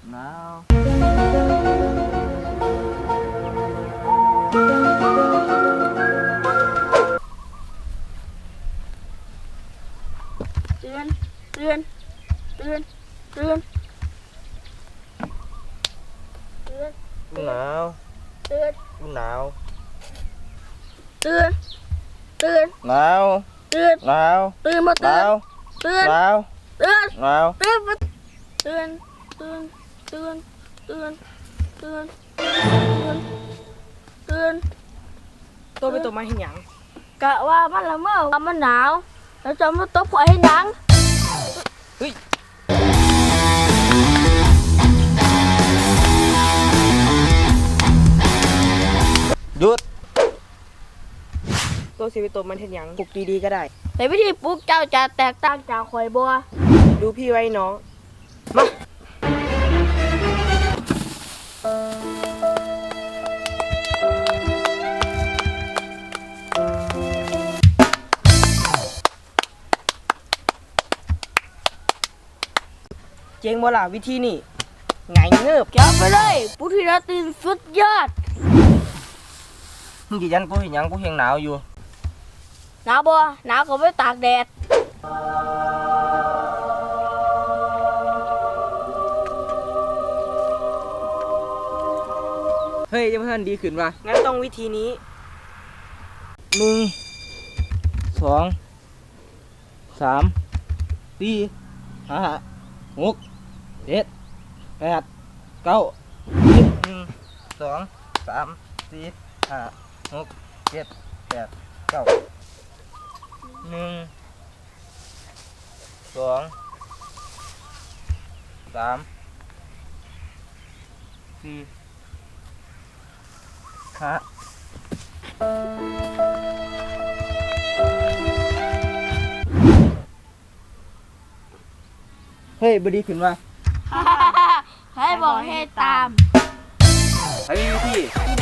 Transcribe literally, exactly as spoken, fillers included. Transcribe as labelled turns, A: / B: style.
A: หนาว
B: เตือนเตือนเตือนเตือนเตือน
A: หนาว
B: เตือน
A: หนาว
B: เตือนเตือน
A: หนาว
B: เตือน
A: หนาว
B: เตือนมา
A: ห
B: เตื
A: นา
B: อน
A: ว
B: เตือน
A: หนาว
B: เตือน
A: หนาว
B: เตือนมาเตือนเตือนเตือนเตือนเตือนเตือน
C: ตัวเป็นตัวมันเห็นหยัง
B: กะว่ามันละเมอว่ามันหนาวแล้วจะมาตบข่อยให้ดัง
A: เฮ้ยหยุด
C: ตัวสิเป็นตัวมันเห็นหยังปลุกดีๆก็ได้
B: แต่วิธีปลูกเจ้าจะแตกต่างจากข่อยบัว
C: ดูพี่ไว้น้องเจ๋งบ่ล่ะวิธีนี่ไงเงือบ
B: เก็บไปเลยปุถุราตรีสุดยอด
A: มึงกี่ยันกูเห็นยังกูเห็นหนาวอยู่
B: หนาวบัวหนาวก็ไม่ตากแดด
A: เฮ้ยยังไม่ทันดีขึ้นว่ะ
C: งั้นต้องวิธีนี้
A: หนึ่งสองสามสี่ห้าหกเจ็ดแปดเก้าสิบหนึ่งสองสามสี่ห้าหกเจ็ดแปดเก้าหนึ่งสองสามสี่ห้าเฮ้ยบดีขึ้นว่า
B: ให้บอกให้ตาม
A: ไอ้วิธี
B: กิน